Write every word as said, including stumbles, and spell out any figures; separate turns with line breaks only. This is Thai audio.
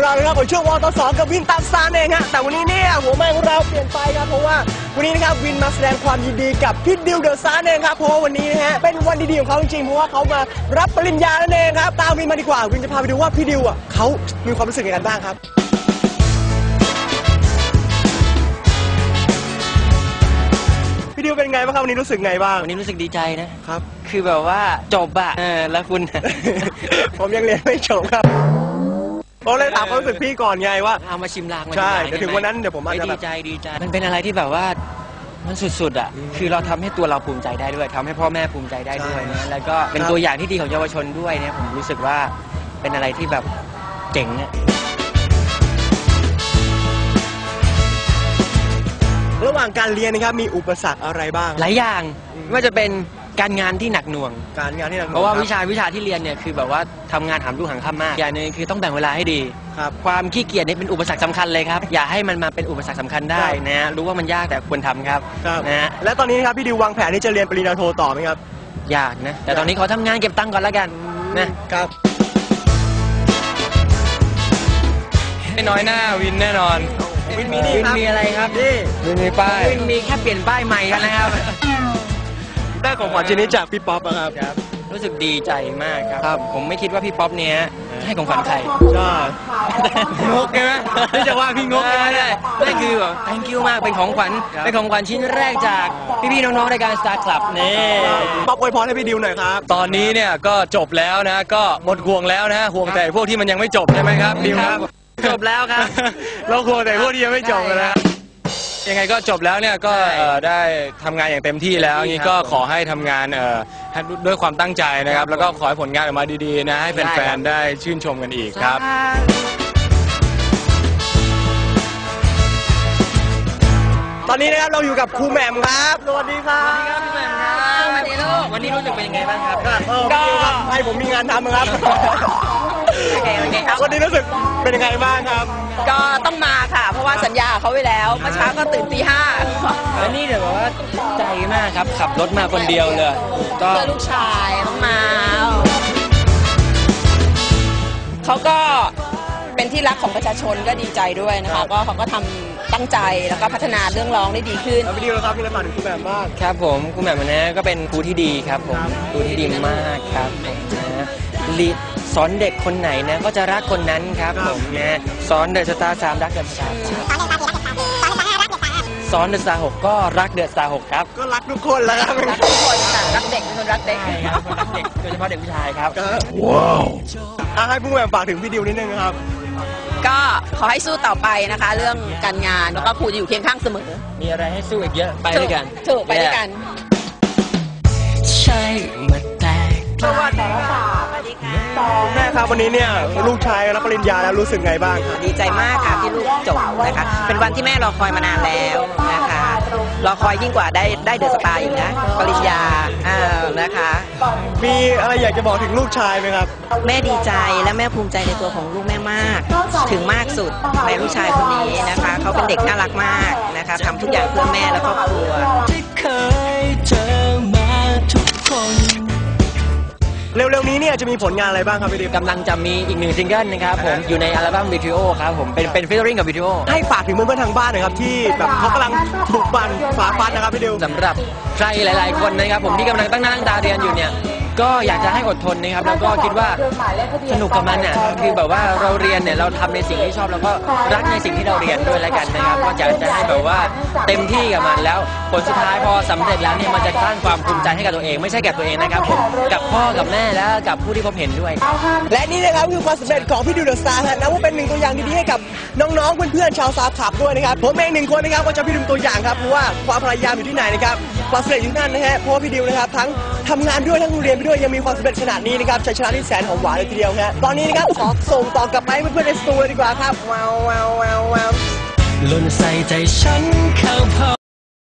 เรานะครับผมช่วงวตสกับวินตัดซานเองฮะแต่วันนี้เนี่ยหัวแม่ของเราเปลี่ยนไปครับเพราะว่าวันนี้นะครับวินมาแสดงความยินดีกับพี่ดิวเดอะซานเองครับเพราะว่าวันนี้นะฮะเป็นวันดีๆของเขาจริงๆเพราะว่าเขามารับปริญญานั่นเองครับตามวินมาดีกว่าวินจะพาไปดูว่าพี่ดิวอ่ะเขามีความรู้สึกยังไงบ้างครับพี่ดิวเป็นไงบ้างครับวันนี้รู้สึกไงบ้าง
วันนี้รู้สึกดีใจนะครับคือแบบว่าจบอะเออแล้วคุณ
ผมยังเรียนไม่จบครับผมเลยถามความรู้สึกพี่ก่อนไงว่า
เอามาชิมลาง
ใช่เดี๋ยวถึงวันนั้นเดี๋ยวผมมาจะ
ดีใจดีใจมันเป็นอะไรที่แบบว่ามันสุดๆอ่ะคือเราทำให้ตัวเราภูมิใจได้ด้วยทำให้พ่อแม่ภูมิใจได้ด้วยนะแล้วก็เป็นตัวอย่างที่ดีของเยาวชนด้วยเนี่ยผมรู้สึกว่าเป็นอะไรที่แบบเจ๋งเนี่ย
ระหว่างการเรียนนะครับมีอุปสรรคอะไรบ้าง
หลายอย่างไม่ว่าจะเป็นการงานที่หนักหน่วง
การงานที่หนักหน่วง
เพราะว่าวิชาวิชาที่เรียนเนี่ยคือแบบว่าทำงานหามรุ่งหามค่ำมากอย่างนึงคือต้องแบ่งเวลาให้ดี
ครับ
ความขี้เกียจนี่เป็นอุปสรรคสำคัญเลยครับอย่าให้มันมาเป็นอุปสรรคสำคัญได้นะรู้ว่ามันยากแต่ควรทำครับนะ
และตอนนี้ครับพี่ดิววางแผนที่จะเรียนปริญญาโทต่อไหมครับ
อยากนะแต่ตอนนี้ขอทำงานเก็บตังค์ก่อนแล้วกัน
นะครับ
ไม่น้อยหน้าวินแน่นอน
วินมีนี่
ครับวินมีอะไรครับ
นี่
วินมีป้าย
วินมีแค่เปลี่ยนป้ายใหม่กันนะครับ
ได้ของขวัญชิ้นนี้จากพี่ป๊อปนะครับ
รู้สึกดีใจมากครับผมไม่คิดว่าพี่ป๊อปเนี้ยให้ของขวัญใคร
ใช่
งกใช่ไหมไม่จะว่าพี่งกใช่ไหมได้ได้คือแบบ thank you มากเป็นของขวัญเป็นของขวัญชิ้นแรกจากพี่ๆน้องๆรายการ Star Club นี่
ป๊อปอวยพรให้พี่ดิวหน่อยครับ
ตอนนี้เนี่ยก็จบแล้วนะก็หมดห่วงแล้วนะห่วงแต่พวกที่มันยังไม่จบใช่ไหมครับดิวครับ
จบแล้วครับ
เราห่วงแต่พวกที่ยังไม่จบแล้วยังไงก็จบแล้วเนี่ยก็ได้ทำงานอย่างเต็มที่แล้วงี้ก็ขอให้ทำงานด้วยความตั้งใจนะครับแล้วก็ขอให้ผลงานออกมาดีๆนะให้แฟนๆได้ชื่นชมกันอีกครับ
ตอนนี้นะครับเราอยู่กับครูแหม่มครับสวัสดีครับ
สวัสดีครับครูแหม่มครับสวัสดีลูกวันนี้รู้สึกเป็นยังไงบ้างครับ
ก็ให้ผมมีงานทำครับ
โอเคโอเคครับ
วันนี้รู้สึกเป็นยังไงบ้างครับ
ก็ต้องมาค่ะเพราะว่าสัญญาเขาไว้แล้วเมื่อเช้าก็ตื่นตีห้า
แล้วนี่เดี๋ยวบอกว่าใจมากครับขับรถมาคนเดียวเลย
ก็ลูกชายต้องมาเขาก็เป็นที่รักของประชาชนก็ดีใจด้วยนะคะก็เขาก็ทำตั้งใจแล้วก็พัฒนาเรื่องร้องได้ดีขึ้น
พี่ดิวครับมีอะไรฝากถึงครูแหม่มบ้าง
ครับผมครูแหม่มนะก็เป็นครูที่ดีครับผมครูที่ดีมากครับนะสอนเด็กคนไหนนะก็จะรักคนนั้นครับผมนะสอนเดอะสตาร์สามรักเดอะสตาร์สอนเดอะสตาร์หกก็รักเดอะสตาร์หกครับ
ก็รักทุกคนแล้วครับ
รักทุกคนค่ะรักเด็กเป็นคนรักเด็ก
ครับเด็กโดยเฉพาะเด็กผู้ชายครับ
ว้าวให้ผู้แหม่มฝากถึงพี่ดิวนิดนึงครับ
ก็ขอให้สู้ต่อไปนะคะเรื่องการงานแล้วก็ครูจะอยู่เคียงข้างเสมอ
มีอะไรให้สู้อีกเยอะไปด้วยกัน
ถูกไปด้วยกัน
ใช่มาแตก
สวัสดีค่ะสวัสดีค่ะแม่ครับวันนี้เนี่ยลูกชายรับปริญญาแล้วรู้สึกไงบ้างครับ
ดีใจมากค่ะที่ลูกจบนะคะเป็นวันที่แม่รอคอยมานานแล้วนะคะรอคอยยิ่งกว่าได้ได้เดอะสตาร์อีกนะปริญญาอ่านะคะ
มีอะไรอยากจะบอกถึงลูกชายไหมครับ
แม่ดีใจและแม่ภูมิใจในตัวของลูกแม่มากถึงมากสุดในลูกชายคนนี้นะคะเขาเป็นเด็กน่ารักมากนะคะทำทุกอย่างเพื่อแม่และครอบครัว
ที่เคยเจอมาทุกคน
เร็วๆนี้เนี่ยจะมีผลงานอะไรบ้างครับพี่ดิว
กำลังจะมีอีกหนึ่งซิงเกิลนะครับผมอยู่ในอัลบั้มวิดีโอครับผมเป็นเป็นฟีเจอริ่งกับวิดีโอ
ให้ฝากถึงเพื่อนๆทางบ้านหน่อยครับที่แบบเขากำลังบุกบันฝ่าฟันนะครับพี่ดิว
สำหรับใครหลายๆคนนะครับผมที่กำลังตั้งหน้าตั้งตาเรียนอยู่เนี่ยก็อยากจะให้อดทนนะครับแล้วก็คิดว่าสนุกกับมันเนี่ยคือแบบว่าเราเรียนเนี่ยเราทำในสิ่งที่ชอบแล้วก็รักในสิ่งที่เราเรียนด้วยแล้วกันนะครับก็อยากจะให้แบบว่าเต็มที่กับมันแล้วผลสุดท้ายพอสำเร็จแล้วเนี่ยมันจะสร้างความภูมิใจให้กับตัวเองไม่ใช่แก่ตัวเองนะครับผมกับพ่อกับแม่และกับผู้ที่พบเห็นด้วย
และนี่นะครับคือความสำเร็จของพี่ดิวเดอะสตาร์นะว่าเป็นหนึ่งตัวอย่างดีๆให้กับน้องๆเพื่อนๆชาวซาขับด้วยนะครับผมเองหนึ่งคนนะครับก็จะพี่ดิวตัวอย่างครับเพราะว่าความพยายามอยู่ที่ไหนนะครับความสำเร็จอยู่ที่นั่นนะฮะเพราะพี่ดิวนะครับทั้งทำงานด้วยทั้งเรียนไปด้วยยังมีความสำเร็จขนาดนี้นะครับชัยชนะที่แสนหอมหวานเลยทีเดียวฮะตอนนี้นะครับขอส่งต่อกลับไปเพื่อนๆในสตูเลยดีกว่าครับว้าวว้าวว้าวว้าว
ล้นใส่ใจฉันเข้าพอ